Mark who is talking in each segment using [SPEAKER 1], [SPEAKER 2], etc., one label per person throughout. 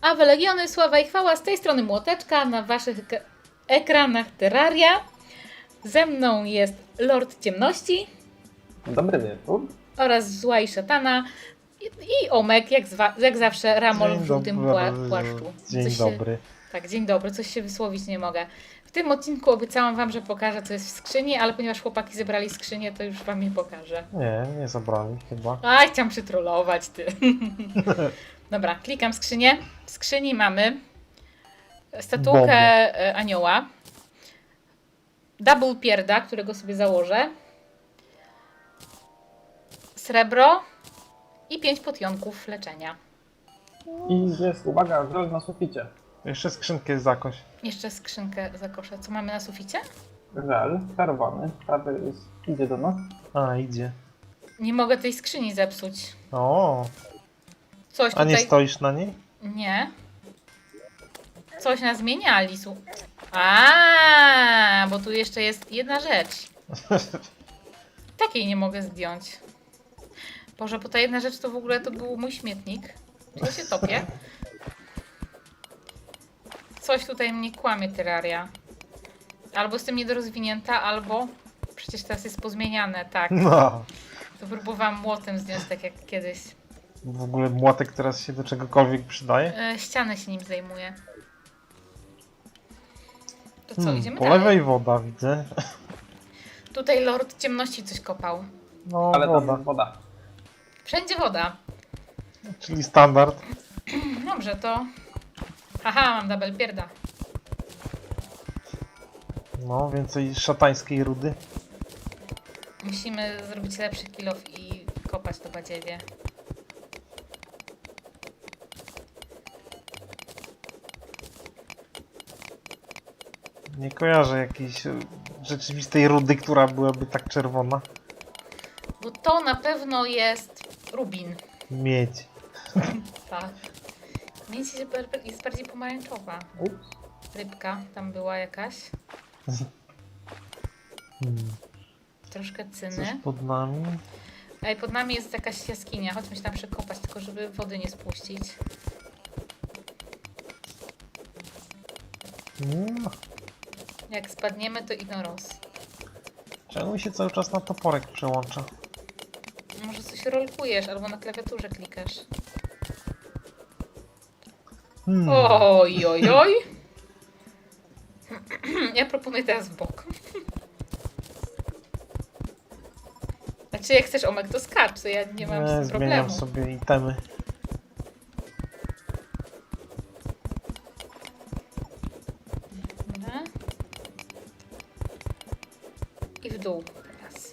[SPEAKER 1] Awe Legiony, sława i chwała, z tej strony Młoteczka, na waszych ekranach Terraria. Ze mną jest Lord Ciemności
[SPEAKER 2] Dobry wieczór.
[SPEAKER 1] oraz Zła i Szatana i Omek, jak zawsze Ramol w żółtym płaszczu.
[SPEAKER 3] Dzień dobry.
[SPEAKER 1] Tak, dzień dobry, coś się wysłowić nie mogę. W tym odcinku obiecałam wam, że pokażę, co jest w skrzyni, ale ponieważ chłopaki zebrali skrzynię, to już wam nie pokażę.
[SPEAKER 3] Nie zabrali chyba.
[SPEAKER 1] A, chciałam przytrollować, ty. Dobra, klikam skrzynię. W skrzyni mamy statułkę anioła, double pierda, którego sobie założę, srebro i 5 potionków leczenia.
[SPEAKER 2] I jest, uwaga, żel na suficie.
[SPEAKER 3] Jeszcze skrzynkę jest jakoś.
[SPEAKER 1] Jeszcze skrzynkę zakoszę. Co mamy na suficie?
[SPEAKER 2] Żel czerwony, prawy idzie do nas.
[SPEAKER 3] A, idzie.
[SPEAKER 1] Nie mogę tej skrzyni zepsuć.
[SPEAKER 3] O,
[SPEAKER 1] Coś
[SPEAKER 3] a nie
[SPEAKER 1] tutaj...
[SPEAKER 3] stoisz na niej?
[SPEAKER 1] Nie. Coś nas zmieniali. A, bo tu jeszcze jest jedna rzecz. Takiej nie mogę zdjąć. Boże, bo ta jedna rzecz to w ogóle to był mój śmietnik. Czy ja się topię? Coś tutaj mnie kłamie, Terraria. Albo jestem niedorozwinięta, albo... Przecież teraz jest pozmieniane, tak.
[SPEAKER 3] No.
[SPEAKER 1] To próbowałam młotem zdjąć, tak jak kiedyś.
[SPEAKER 3] W ogóle młotek teraz się do czegokolwiek przydaje?
[SPEAKER 1] Ścianę się nim zajmuje. To co, idziemy
[SPEAKER 3] Po
[SPEAKER 1] dalej?
[SPEAKER 3] lewej woda widzę.
[SPEAKER 1] Tutaj Lord Ciemności coś kopał.
[SPEAKER 3] No,
[SPEAKER 2] Ale
[SPEAKER 3] woda.
[SPEAKER 2] tam woda.
[SPEAKER 1] Wszędzie woda.
[SPEAKER 3] Czyli standard.
[SPEAKER 1] Dobrze, to... Haha, mam double pierda.
[SPEAKER 3] No, więcej szatańskiej rudy.
[SPEAKER 1] Musimy zrobić lepszy kill off i kopać to badziewie.
[SPEAKER 3] Nie kojarzę jakiejś rzeczywistej rudy, która byłaby tak czerwona.
[SPEAKER 1] Bo to na pewno jest rubin.
[SPEAKER 3] Miedź.
[SPEAKER 1] Tak. Miedź jest bardziej pomarańczowa.
[SPEAKER 2] Ups.
[SPEAKER 1] Rybka tam była jakaś.
[SPEAKER 3] Hmm.
[SPEAKER 1] Troszkę
[SPEAKER 3] Coś
[SPEAKER 1] cyny.
[SPEAKER 3] pod nami.
[SPEAKER 1] Ej, pod nami jest jakaś jaskinia. Chodźmy się tam przekopać, tylko żeby wody nie spuścić.
[SPEAKER 3] No.
[SPEAKER 1] Jak spadniemy, to ignoros.
[SPEAKER 3] Czemu mi się cały czas na toporek przełącza?
[SPEAKER 1] Może coś rolkujesz, albo na klawiaturze klikasz. Oj, oj, oj. Ja proponuję teraz w bok. Znaczy, jak chcesz, Omek, to skacz, to ja nie mam z tym
[SPEAKER 3] Zmieniam
[SPEAKER 1] problemu.
[SPEAKER 3] sobie itemy.
[SPEAKER 1] Dobra. I w dół teraz.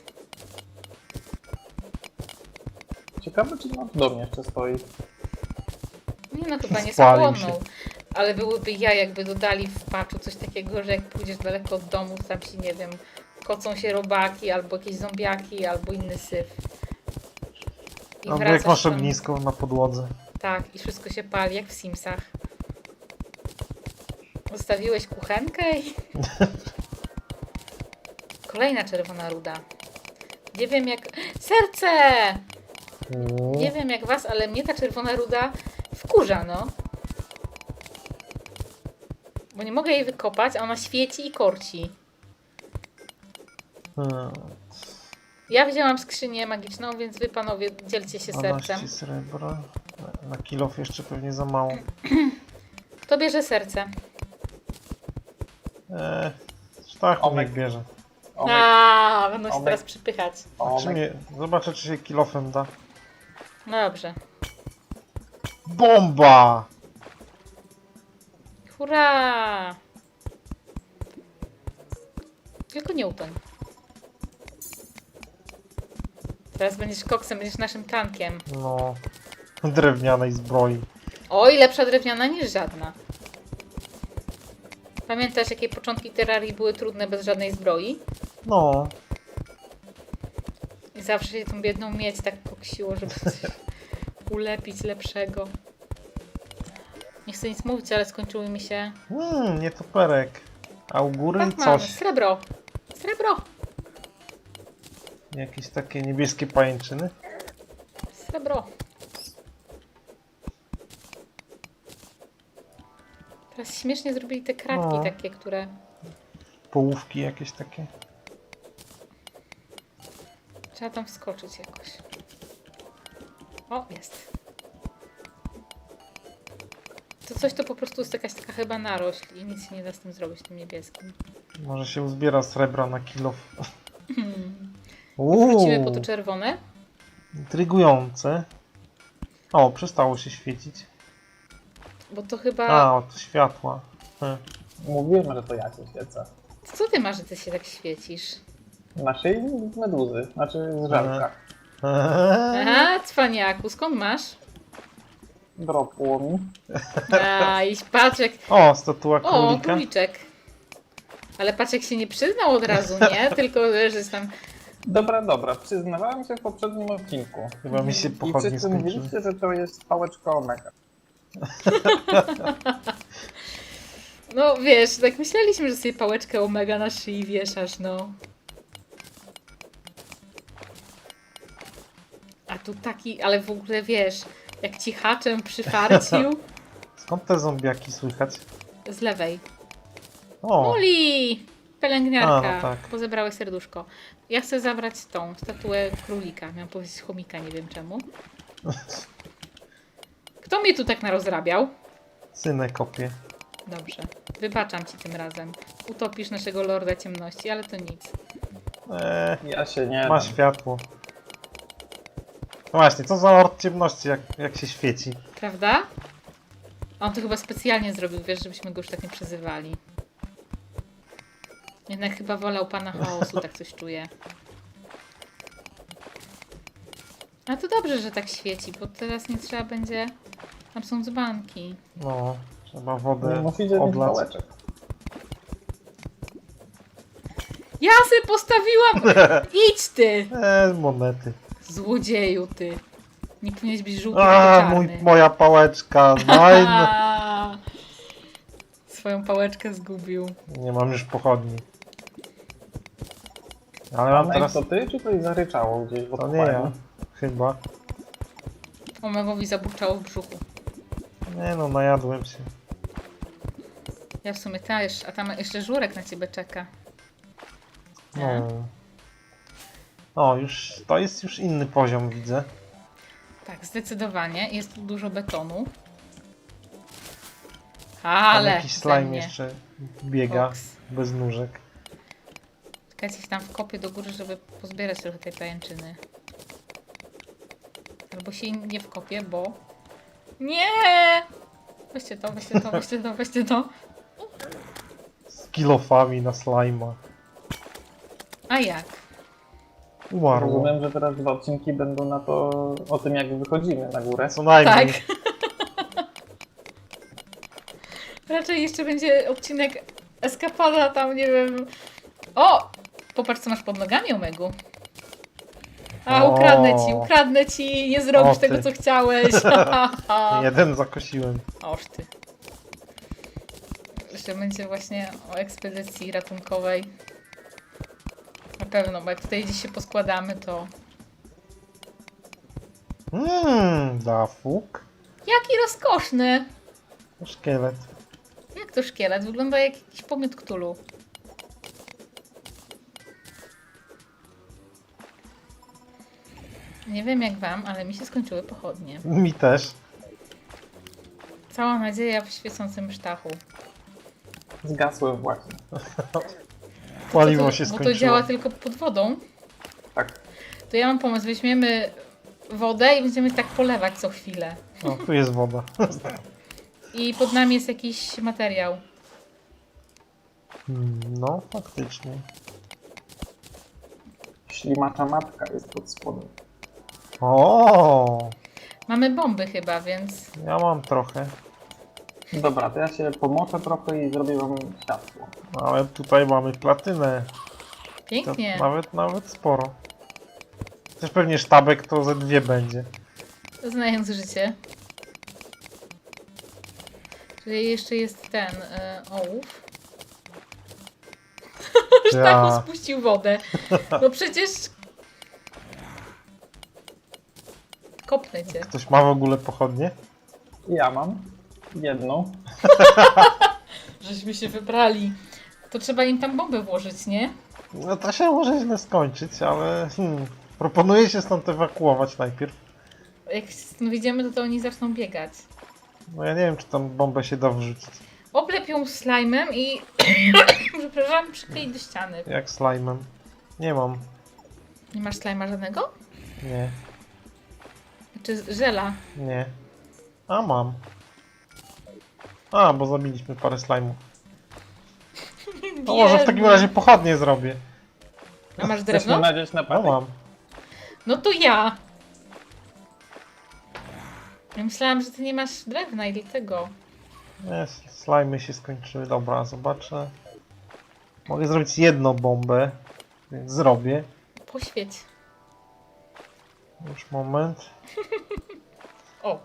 [SPEAKER 2] Ciekawe, czy na domie jeszcze stoi.
[SPEAKER 1] Nie no, chyba nie
[SPEAKER 3] Spalił
[SPEAKER 1] spłonął. Ale byłyby ja, jakby dodali w patchu coś takiego, że jak pójdziesz daleko od domu, tam się, nie wiem, kocą się robaki, albo jakieś zombiaki, albo inny syf. I
[SPEAKER 3] Albo jak
[SPEAKER 1] wracasz
[SPEAKER 3] masz
[SPEAKER 1] tam-
[SPEAKER 3] ognisko na podłodze.
[SPEAKER 1] Tak, i wszystko się pali, jak w Simsach. Zostawiłeś kuchenkę i... Kolejna czerwona ruda. Nie wiem jak... Serce! Nie wiem jak was, ale mnie ta czerwona ruda wkurza, no. Bo nie mogę jej wykopać, a ona świeci i korci.
[SPEAKER 3] Hmm.
[SPEAKER 1] Ja wzięłam skrzynię magiczną, więc wy panowie dzielcie się
[SPEAKER 3] 12
[SPEAKER 1] sercem.
[SPEAKER 3] srebra. Na kilof jeszcze pewnie za mało.
[SPEAKER 1] Kto bierze serce?
[SPEAKER 3] Sztachów
[SPEAKER 2] Omek.
[SPEAKER 3] niech bierze.
[SPEAKER 2] Omek,
[SPEAKER 1] A, będą się
[SPEAKER 2] Omek.
[SPEAKER 1] teraz przypychać.
[SPEAKER 3] Czy
[SPEAKER 2] omek.
[SPEAKER 3] nie, zobaczę czy się kilofem da.
[SPEAKER 1] No dobrze.
[SPEAKER 3] Bomba!
[SPEAKER 1] Hurra! Tylko nie utoń. Teraz będziesz koksem, będziesz naszym tankiem.
[SPEAKER 3] No. Drewnianej zbroi.
[SPEAKER 1] Oj, lepsza drewniana niż żadna. Pamiętasz, jakie początki Terrarii były trudne bez żadnej zbroi?
[SPEAKER 3] No.
[SPEAKER 1] I zawsze się tą biedną miedź tak koksiło, żeby coś ulepić lepszego. Nie chcę nic mówić, ale skończyły mi się...
[SPEAKER 3] Nie toperek. A u góry
[SPEAKER 1] Tak mamy,
[SPEAKER 3] coś.
[SPEAKER 1] srebro! Srebro!
[SPEAKER 3] Jakieś takie niebieskie pajęczyny.
[SPEAKER 1] Srebro! Teraz śmiesznie zrobili te kratki
[SPEAKER 3] No.
[SPEAKER 1] takie, które...
[SPEAKER 3] Połówki jakieś takie.
[SPEAKER 1] Trzeba tam wskoczyć jakoś. O, jest. To coś to po prostu jest jakaś taka chyba narośl i nic się nie da z tym zrobić, tym niebieskim.
[SPEAKER 3] Może się uzbiera srebra na kilo.
[SPEAKER 1] Wrócimy po to czerwone.
[SPEAKER 3] Intrygujące. O, przestało się świecić.
[SPEAKER 1] Bo to chyba...
[SPEAKER 3] A, od światła.
[SPEAKER 2] Mówiłem, że to ja się świecę.
[SPEAKER 1] Co ty masz, że ty się tak świecisz?
[SPEAKER 2] Na szyi meduzy, znaczy z żelka.
[SPEAKER 1] Aha, cwaniaku, skąd masz?
[SPEAKER 2] Dropło mi.
[SPEAKER 1] Iś, paczek.
[SPEAKER 3] O, statua
[SPEAKER 1] O,
[SPEAKER 3] królika.
[SPEAKER 1] króliczek. Ale paczek się nie przyznał od razu, nie? Tylko, że jest tam...
[SPEAKER 2] Dobra, przyznawałem się w poprzednim odcinku.
[SPEAKER 3] Chyba mi się
[SPEAKER 2] I
[SPEAKER 3] pochodnie
[SPEAKER 2] wszyscy
[SPEAKER 3] skończyły.
[SPEAKER 2] mówiliście, że to jest pałeczka omega.
[SPEAKER 1] No wiesz, tak myśleliśmy, że sobie pałeczkę omega na szyi wieszasz, no. A tu taki, ale w ogóle wiesz, jak ci haczem przyfarcił
[SPEAKER 3] Skąd te zombiaki słychać?
[SPEAKER 1] z lewej.
[SPEAKER 3] O,
[SPEAKER 1] Muli! Pielęgniarka,
[SPEAKER 3] A, no tak.
[SPEAKER 1] bo zebrałeś serduszko. Ja chcę zabrać tą statuę królika. Miałam powiedzieć chomika, nie wiem czemu. Kto mnie tu tak narozrabiał?
[SPEAKER 3] synę kopie.
[SPEAKER 1] Dobrze, wybaczam ci tym razem. Utopisz naszego lorda ciemności, ale to nic.
[SPEAKER 2] Ja się nie
[SPEAKER 3] Ma
[SPEAKER 2] dam.
[SPEAKER 3] światło. No właśnie, co za lord ciemności, jak się świeci.
[SPEAKER 1] Prawda? On to chyba specjalnie zrobił, wiesz, żebyśmy go już tak nie przezywali. Jednak chyba wolał pana chaosu, tak coś czuję. A to dobrze, że tak świeci, bo teraz nie trzeba będzie... Tam są dzbanki.
[SPEAKER 3] No, trzeba
[SPEAKER 2] Nie
[SPEAKER 3] wodę
[SPEAKER 2] musicie mieć
[SPEAKER 3] odlać.
[SPEAKER 2] pałeczek.
[SPEAKER 1] Ja se postawiłam! Idź ty!
[SPEAKER 3] Monety.
[SPEAKER 1] Złodzieju ty. Nie powinieneś być żółty,
[SPEAKER 3] A,
[SPEAKER 1] tylko czarny.
[SPEAKER 3] moja pałeczka. Nein.
[SPEAKER 1] Swoją pałeczkę zgubił.
[SPEAKER 3] Nie mam już pochodni. Ale mam
[SPEAKER 2] Mam
[SPEAKER 3] teraz...
[SPEAKER 2] to ty, czy coś zaryczało gdzieś w
[SPEAKER 3] To nie ja.
[SPEAKER 2] odpłaniu?
[SPEAKER 3] Chyba.
[SPEAKER 1] Omegowi zaburczało w brzuchu.
[SPEAKER 3] Nie no, najadłem się.
[SPEAKER 1] Ja w sumie też, a tam jeszcze żurek na ciebie czeka.
[SPEAKER 3] No. O, już... To jest już inny poziom, widzę.
[SPEAKER 1] Tak, zdecydowanie. Jest tu dużo betonu.
[SPEAKER 3] Tam
[SPEAKER 1] Ale
[SPEAKER 3] jakiś
[SPEAKER 1] ze
[SPEAKER 3] slime
[SPEAKER 1] mnie.
[SPEAKER 3] jeszcze biega.
[SPEAKER 1] Koks.
[SPEAKER 3] Bez nóżek.
[SPEAKER 1] Czekajcie, się tam wkopię do góry, żeby pozbierać trochę tej pajęczyny. Albo się nie wkopię, bo... Nie! Weźcie to, weźcie to, weźcie to, weźcie to.
[SPEAKER 3] Z kilofami na slajma.
[SPEAKER 1] A jak?
[SPEAKER 3] Umarło.
[SPEAKER 2] Rozumiem, że teraz 2 odcinki będą na to, o tym jak wychodzimy na górę.
[SPEAKER 3] Co najmniej.
[SPEAKER 1] Tak. Raczej jeszcze będzie odcinek eskapada tam, nie wiem... O! Popatrz, co masz pod nogami, Omegu. A,
[SPEAKER 3] O.
[SPEAKER 1] ukradnę ci, nie zrobisz
[SPEAKER 3] O,
[SPEAKER 1] tego,
[SPEAKER 3] ty.
[SPEAKER 1] co chciałeś.
[SPEAKER 3] Jeden zakosiłem.
[SPEAKER 1] Oż ty. Jeszcze będzie właśnie o ekspedycji ratunkowej. Na pewno, bo jak tutaj gdzieś się poskładamy, to...
[SPEAKER 3] Dafuk.
[SPEAKER 1] Jaki rozkoszny!
[SPEAKER 3] Szkielet.
[SPEAKER 1] Jak to szkielet? Wygląda jak jakiś pomiot Cthulhu. Nie wiem jak wam, ale mi się skończyły pochodnie.
[SPEAKER 3] Mi też.
[SPEAKER 1] Cała nadzieja w świecącym sztachu.
[SPEAKER 2] Zgasłem właśnie.
[SPEAKER 3] Paliwo się
[SPEAKER 1] Bo
[SPEAKER 3] skończyło.
[SPEAKER 1] to działa tylko pod wodą.
[SPEAKER 2] Tak.
[SPEAKER 1] To ja mam pomysł, weźmiemy wodę i będziemy tak polewać co chwilę.
[SPEAKER 3] O, tu jest woda.
[SPEAKER 1] I pod nami jest jakiś materiał.
[SPEAKER 3] No, faktycznie.
[SPEAKER 2] Ślimacza matka jest pod spodem.
[SPEAKER 3] O,
[SPEAKER 1] Mamy bomby chyba, więc...
[SPEAKER 3] ja mam trochę.
[SPEAKER 2] Dobra, to ja się pomoczę trochę i zrobię wam światło.
[SPEAKER 3] Ale tutaj mamy platynę. To
[SPEAKER 1] Pięknie.
[SPEAKER 3] nawet sporo. Też pewnie sztabek to ze 2 będzie.
[SPEAKER 1] Znając życie. Czyli jeszcze jest ten ołów. Sztachu
[SPEAKER 3] Ja.
[SPEAKER 1] spuścił wodę. No przecież... Kopnę cię.
[SPEAKER 3] Ktoś ma w ogóle pochodnie?
[SPEAKER 2] Ja mam jedną.
[SPEAKER 1] Żeśmy się wybrali. To trzeba im tam bombę włożyć, nie?
[SPEAKER 3] No to się może źle skończyć, ale proponuję się stąd ewakuować najpierw.
[SPEAKER 1] Jak stąd wyjdziemy, to oni zaczną biegać.
[SPEAKER 3] No ja nie wiem, czy tam bombę się da wrzucić.
[SPEAKER 1] Oblep ją slajmem i przepraszam, przykleić do ściany.
[SPEAKER 3] Jak slime'em. Nie mam.
[SPEAKER 1] Nie masz slajma żadnego?
[SPEAKER 3] Nie.
[SPEAKER 1] Czy żela?
[SPEAKER 3] Nie. A mam. A, bo zabiliśmy parę slajmów. No może w takim razie pochodnie zrobię.
[SPEAKER 1] A masz
[SPEAKER 2] Chcesz
[SPEAKER 1] drewno?
[SPEAKER 2] mi nadzieć na
[SPEAKER 3] No
[SPEAKER 2] patyk?
[SPEAKER 3] mam.
[SPEAKER 1] No to ja. Ja myślałam, że ty nie masz drewna i dlatego.
[SPEAKER 3] Nie, slajmy się skończyły. Dobra, zobaczę. Mogę zrobić jedną bombę, więc zrobię.
[SPEAKER 1] Poświeć.
[SPEAKER 3] Już moment.
[SPEAKER 1] O,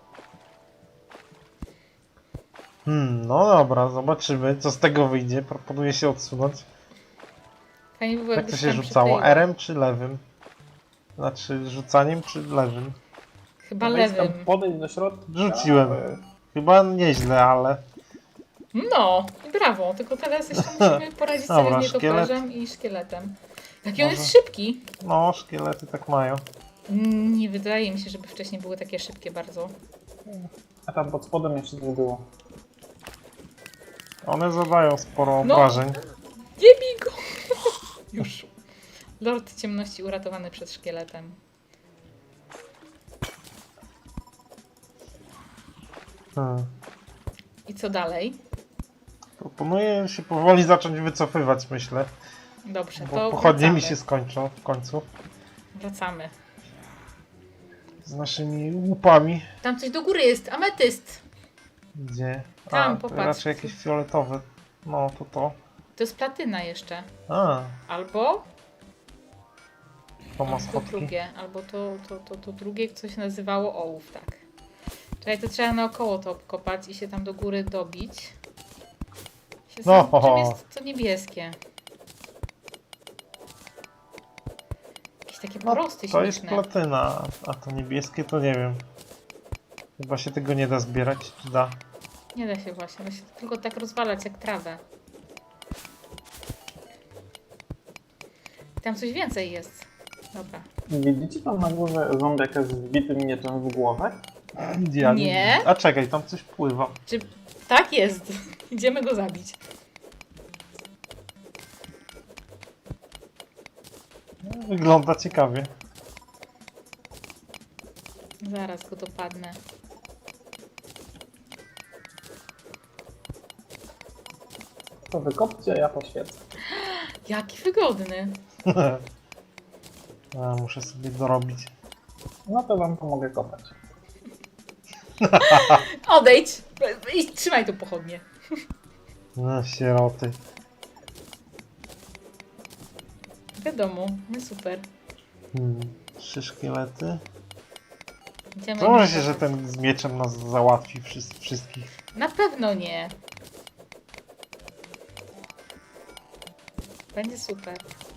[SPEAKER 3] No dobra, zobaczymy, co z tego wyjdzie. Proponuję się odsunąć.
[SPEAKER 1] fajnie by było,
[SPEAKER 3] Jak to
[SPEAKER 1] jakbyś
[SPEAKER 3] się
[SPEAKER 1] tam
[SPEAKER 3] rzucało?
[SPEAKER 1] przykleiła.
[SPEAKER 3] R-em czy lewym? Znaczy rzucaniem czy lewym?
[SPEAKER 1] Chyba
[SPEAKER 2] Weź tam
[SPEAKER 1] lewym.
[SPEAKER 2] podejść do środka.
[SPEAKER 3] Rzuciłem. Chyba nieźle, ale...
[SPEAKER 1] No, i brawo. Tylko teraz jeszcze musimy poradzić
[SPEAKER 3] Dobra,
[SPEAKER 1] sobie z nietoperzem
[SPEAKER 3] szkielet.
[SPEAKER 1] i szkieletem. Jaki on
[SPEAKER 3] Może.
[SPEAKER 1] jest szybki.
[SPEAKER 3] No, szkielety tak mają.
[SPEAKER 1] Nie wydaje mi się, żeby wcześniej były takie szybkie bardzo.
[SPEAKER 2] A tam pod spodem jeszcze nie było.
[SPEAKER 3] One zadają sporo
[SPEAKER 1] No.
[SPEAKER 3] obrażeń.
[SPEAKER 1] Nie bij go! Już. Lord ciemności uratowany przed szkieletem. I co dalej?
[SPEAKER 3] Proponuję się powoli zacząć wycofywać, myślę.
[SPEAKER 1] Dobrze,
[SPEAKER 3] Bo
[SPEAKER 1] to
[SPEAKER 3] pochodnie mi
[SPEAKER 1] wracamy.
[SPEAKER 3] się skończą w końcu.
[SPEAKER 1] Wracamy.
[SPEAKER 3] Z naszymi łupami.
[SPEAKER 1] Tam coś do góry jest, ametyst.
[SPEAKER 3] Gdzie?
[SPEAKER 1] Tam,
[SPEAKER 3] to
[SPEAKER 1] popatrz.
[SPEAKER 3] raczej jakieś fioletowe. No, to to.
[SPEAKER 1] To jest platyna jeszcze.
[SPEAKER 3] A,
[SPEAKER 1] Albo
[SPEAKER 3] to ma
[SPEAKER 1] to
[SPEAKER 3] schodki.
[SPEAKER 1] drugie, albo to drugie, co się nazywało ołów, tak. Czekaj, to trzeba naokoło to obkopać i się tam do góry dobić. Się
[SPEAKER 3] No.
[SPEAKER 1] czym jest to niebieskie? Jakieś takie
[SPEAKER 3] No,
[SPEAKER 1] porosty
[SPEAKER 3] to jest
[SPEAKER 1] śmieszne.
[SPEAKER 3] platyna, a to niebieskie to nie wiem. Chyba się tego nie da zbierać, czy da?
[SPEAKER 1] Nie da się właśnie, da się tylko tak rozwalać jak trawę. Tam coś więcej jest. Dobra.
[SPEAKER 2] Widzicie tam na górze zombiaka z wbitym mieczem w głowę?
[SPEAKER 3] Ja
[SPEAKER 1] Nie.
[SPEAKER 3] A czekaj, tam coś pływa.
[SPEAKER 1] Czy tak jest? Idziemy go zabić.
[SPEAKER 3] No, wygląda ciekawie.
[SPEAKER 1] Zaraz go dopadnę.
[SPEAKER 2] To wykopcie, a ja poświecę.
[SPEAKER 1] Jaki wygodny.
[SPEAKER 3] A, muszę sobie dorobić.
[SPEAKER 2] No to wam pomogę kopać.
[SPEAKER 1] Odejdź i trzymaj tu pochodnie.
[SPEAKER 3] No, sieroty.
[SPEAKER 1] Wiadomo, no super.
[SPEAKER 3] 3 szkielety.
[SPEAKER 1] Idziemy
[SPEAKER 3] To może
[SPEAKER 1] do-
[SPEAKER 3] się, że ten z mieczem nas załatwi wszystkich.
[SPEAKER 1] Na pewno nie. Będzie super.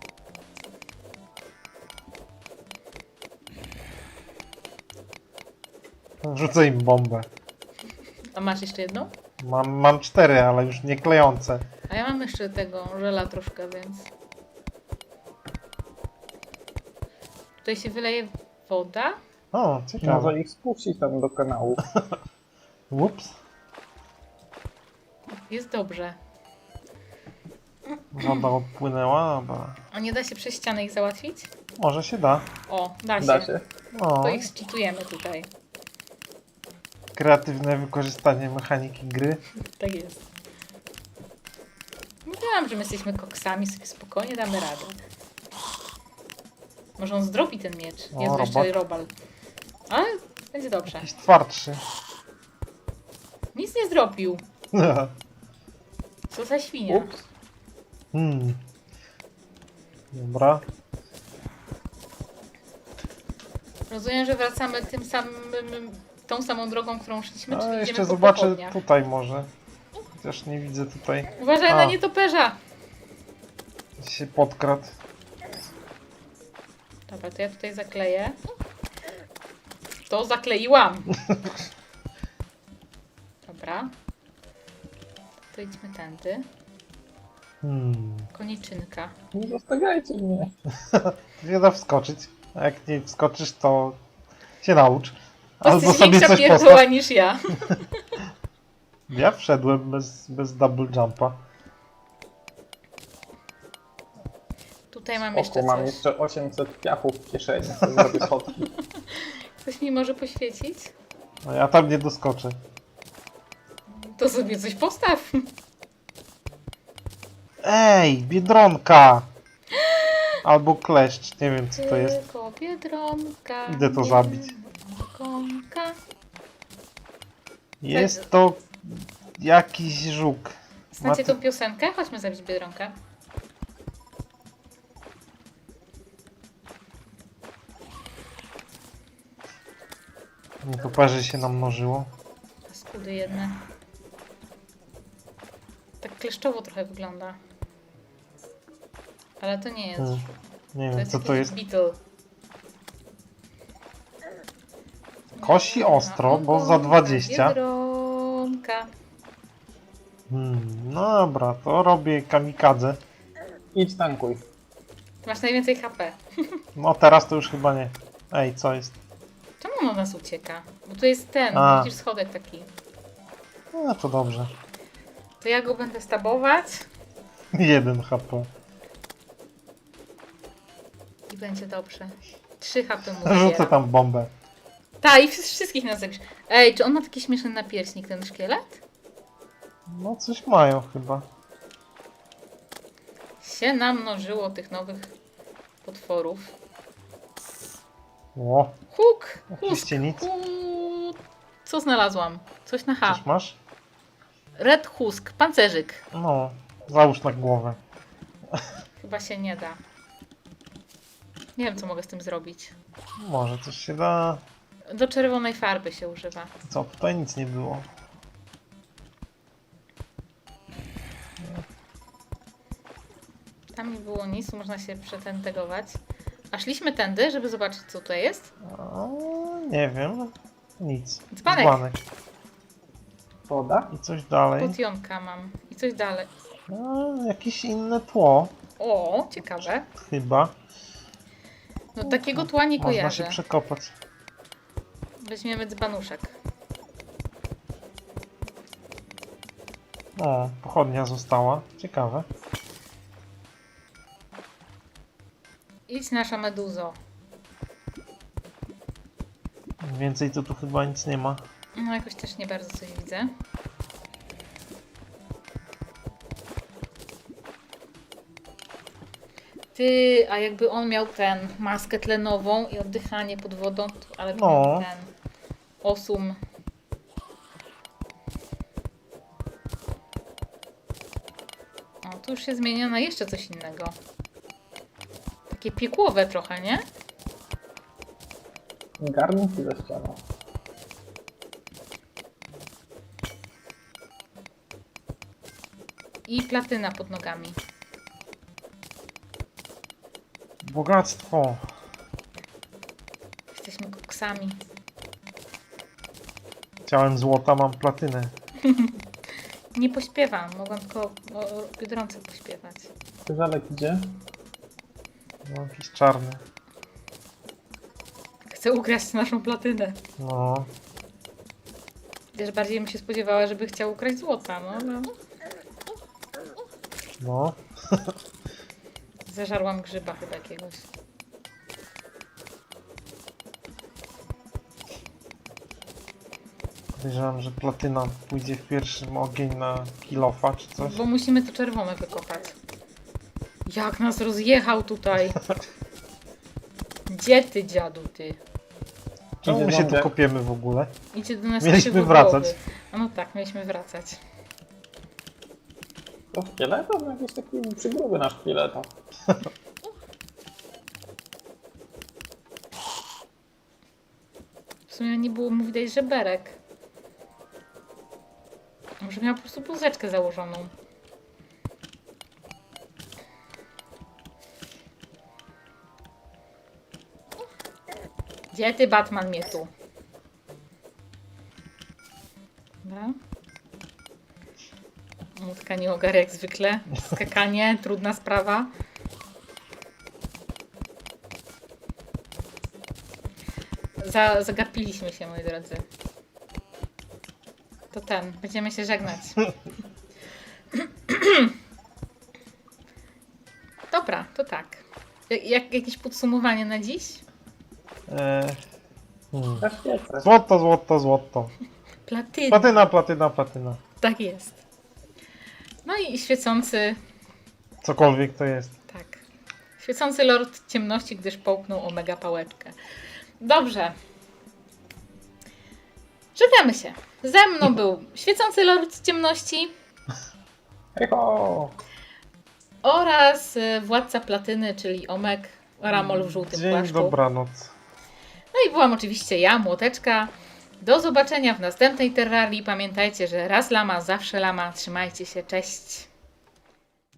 [SPEAKER 3] Rzucę im bombę.
[SPEAKER 1] A masz jeszcze jedną?
[SPEAKER 3] Mam 4, ale już nie klejące.
[SPEAKER 1] A ja mam jeszcze tego żela troszkę, więc... Tutaj się wyleje woda.
[SPEAKER 3] O, ciekawe.
[SPEAKER 2] Może ich spuścić tam do kanału.
[SPEAKER 3] Ups.
[SPEAKER 1] Jest dobrze.
[SPEAKER 3] Woda odpłynęła, dobra.
[SPEAKER 1] A nie da się przez ścianę ich załatwić?
[SPEAKER 3] Może się da.
[SPEAKER 1] O, da się.
[SPEAKER 2] Da się.
[SPEAKER 3] O,
[SPEAKER 1] To ich zcheatujemy tutaj.
[SPEAKER 3] kreatywne wykorzystanie mechaniki gry.
[SPEAKER 1] Tak jest. Mówiłam, że my jesteśmy koksami, sobie spokojnie damy radę. Może on zdrobi ten miecz.
[SPEAKER 3] O,
[SPEAKER 1] Jest jeszcze
[SPEAKER 3] robak.
[SPEAKER 1] robal. Ale będzie dobrze.
[SPEAKER 3] Jakiś twardszy.
[SPEAKER 1] Nic nie zrobił. Co za świnia.
[SPEAKER 2] Ups.
[SPEAKER 3] Dobra.
[SPEAKER 1] Rozumiem, że wracamy tym samym, tą samą drogą, którą szliśmy,
[SPEAKER 3] A
[SPEAKER 1] czyli
[SPEAKER 3] jeszcze
[SPEAKER 1] idziemy po
[SPEAKER 3] zobaczę
[SPEAKER 1] pochodniach.
[SPEAKER 3] tutaj może. Chociaż nie widzę tutaj.
[SPEAKER 1] Uważaj
[SPEAKER 3] A.
[SPEAKER 1] na nietoperza!
[SPEAKER 3] Się podkradł.
[SPEAKER 1] Dobra, to ja tutaj zakleję. To zakleiłam! Dobra. To idźmy tędy. Koniczynka.
[SPEAKER 2] Nie zostawiajcie mnie.
[SPEAKER 3] Nie da wskoczyć. A jak nie wskoczysz, to się naucz.
[SPEAKER 1] To
[SPEAKER 3] Albo
[SPEAKER 1] jesteś
[SPEAKER 3] sobie
[SPEAKER 1] większa
[SPEAKER 3] coś
[SPEAKER 1] pierdoła
[SPEAKER 3] postaw.
[SPEAKER 1] niż ja.
[SPEAKER 3] Ja wszedłem bez double jumpa.
[SPEAKER 1] Tutaj mam jeszcze
[SPEAKER 2] Oku, mam
[SPEAKER 1] coś.
[SPEAKER 2] jeszcze 800 piachów w kieszeni. To zrobię schodki.
[SPEAKER 1] Ktoś mi może poświecić?
[SPEAKER 3] No ja tam nie doskoczę.
[SPEAKER 1] To sobie coś postaw.
[SPEAKER 3] Ej, biedronka! Albo kleszcz, nie wiem co to jest.
[SPEAKER 1] Tylko biedronka.
[SPEAKER 3] Idę to zabić.
[SPEAKER 1] Biedronka.
[SPEAKER 3] Jest to jakiś żuk.
[SPEAKER 1] Znacie tą piosenkę? Chodźmy zabić biedronkę.
[SPEAKER 3] Nietoperzy się namnożyło.
[SPEAKER 1] Skudy jedne. Tak kleszczowo trochę wygląda. Ale to nie jest.
[SPEAKER 3] Nie
[SPEAKER 1] To
[SPEAKER 3] wiem
[SPEAKER 1] jest
[SPEAKER 3] co to
[SPEAKER 1] jakiś
[SPEAKER 3] jest.
[SPEAKER 1] Beetle.
[SPEAKER 3] Kosi ostro, bo za 20.
[SPEAKER 1] Biedronka.
[SPEAKER 3] No dobra, to robię kamikadze.
[SPEAKER 2] Idź tankuj.
[SPEAKER 1] Masz najwięcej HP.
[SPEAKER 3] No teraz to już chyba nie. Ej, co jest?
[SPEAKER 1] Czemu on od nas ucieka? Bo tu jest ten,
[SPEAKER 3] A.
[SPEAKER 1] widzisz schodek taki.
[SPEAKER 3] No to dobrze.
[SPEAKER 1] To ja go będę stabować
[SPEAKER 3] 1 HP.
[SPEAKER 1] i będzie dobrze. 3 HP mu
[SPEAKER 3] Rzucę
[SPEAKER 1] zbieram.
[SPEAKER 3] tam bombę.
[SPEAKER 1] Tak, i wszystkich nas zabisz. Ej, czy on ma taki śmieszny napierśnik, ten szkielet?
[SPEAKER 3] No coś mają chyba.
[SPEAKER 1] Się namnożyło tych nowych potworów.
[SPEAKER 3] O,
[SPEAKER 1] Huk!
[SPEAKER 3] oczywiście nic.
[SPEAKER 1] Co znalazłam? Coś na H.
[SPEAKER 3] Coś masz?
[SPEAKER 1] Red husk, pancerzyk.
[SPEAKER 3] No, załóż na głowę.
[SPEAKER 1] Chyba się nie da. Nie wiem, co mogę z tym zrobić.
[SPEAKER 3] Może coś się da.
[SPEAKER 1] Do czerwonej farby się używa.
[SPEAKER 3] Co, tutaj nic nie było.
[SPEAKER 1] Tam nie było nic, można się przetentegować. A szliśmy tędy, żeby zobaczyć, co tutaj jest?
[SPEAKER 3] O, nie wiem. Nic.
[SPEAKER 1] Dzbanek.
[SPEAKER 2] Woda?
[SPEAKER 3] I coś dalej.
[SPEAKER 1] Potionka mam. I coś dalej.
[SPEAKER 3] Jakieś inne tło.
[SPEAKER 1] O, ciekawe.
[SPEAKER 3] Chyba.
[SPEAKER 1] No takiego tła nie
[SPEAKER 3] Można się
[SPEAKER 1] kojarzę.
[SPEAKER 3] przekopać.
[SPEAKER 1] Weźmiemy dzbanuszek.
[SPEAKER 3] O, pochodnia została. Ciekawe.
[SPEAKER 1] Idź nasza meduzo.
[SPEAKER 3] Więcej to tu chyba nic nie ma.
[SPEAKER 1] No jakoś też nie bardzo coś widzę. Ty, a jakby on miał ten maskę tlenową i oddychanie pod wodą, to, ale
[SPEAKER 3] No.
[SPEAKER 1] miał ten osum. O, tu już się zmienia na jeszcze coś innego. Takie piekłowe trochę, nie?
[SPEAKER 2] Garnki ze ścianą.
[SPEAKER 1] I platyna pod nogami.
[SPEAKER 3] Bogactwo.
[SPEAKER 1] Jesteśmy koksami.
[SPEAKER 3] Chciałem złota, mam platynę.
[SPEAKER 1] Nie pośpiewam, mogłam tylko o Biedronce pośpiewać.
[SPEAKER 2] Krzyżalek idzie.
[SPEAKER 3] No, jakiś czarny.
[SPEAKER 1] Chcę ukraść naszą platynę.
[SPEAKER 3] No.
[SPEAKER 1] Wiesz, bardziej bym się spodziewała, żeby chciał ukraść złota, no.
[SPEAKER 3] No.
[SPEAKER 1] Zażarłam grzyba chyba jakiegoś.
[SPEAKER 3] Podejrzewam, że platyna pójdzie w pierwszym ogień na kilofa czy coś.
[SPEAKER 1] Bo musimy to czerwone wykopać. Jak nas rozjechał tutaj. Gdzie ty, dziadu, ty?
[SPEAKER 3] Czemu
[SPEAKER 2] Idzie
[SPEAKER 3] my się tu
[SPEAKER 2] zombiak.
[SPEAKER 3] kopiemy w ogóle?
[SPEAKER 1] Idzie do nas
[SPEAKER 3] Mieliśmy
[SPEAKER 1] krzywo
[SPEAKER 3] wracać.
[SPEAKER 1] głowy. A no tak, mieliśmy wracać.
[SPEAKER 2] To szkieletów? No jakiś taki przygruby na szkieleta.
[SPEAKER 1] W sumie nie było mu widać żeberek. Może miał po prostu bluzeczkę założoną. Gdzie ty, Batman, mnie tu? Dobra. Młotka nie ogarnia jak zwykle. Skakanie, trudna sprawa. Zagapiliśmy się, moi drodzy. To ten, będziemy się żegnać. Dobra, to tak. Jakieś podsumowanie na dziś?
[SPEAKER 2] Też piece.
[SPEAKER 3] Złoto, złoto, złoto.
[SPEAKER 1] Platyna.
[SPEAKER 3] Platyna, platyna, platyna.
[SPEAKER 1] Tak jest. No i świecący,
[SPEAKER 3] Cokolwiek to jest.
[SPEAKER 1] tak. Świecący Lord Ciemności, gdyż połknął omega pałeczkę. Dobrze. Żegnamy się. Ze mną był Świecący Lord Ciemności
[SPEAKER 2] Hejho!
[SPEAKER 1] oraz Władca Platyny, czyli Omek, Ramol w żółtym
[SPEAKER 3] Dzień,
[SPEAKER 1] płaszczu.
[SPEAKER 3] dobranoc.
[SPEAKER 1] No i byłam oczywiście ja, Młoteczka. Do zobaczenia w następnej terrarii. Pamiętajcie, że raz lama, zawsze lama. Trzymajcie się, cześć.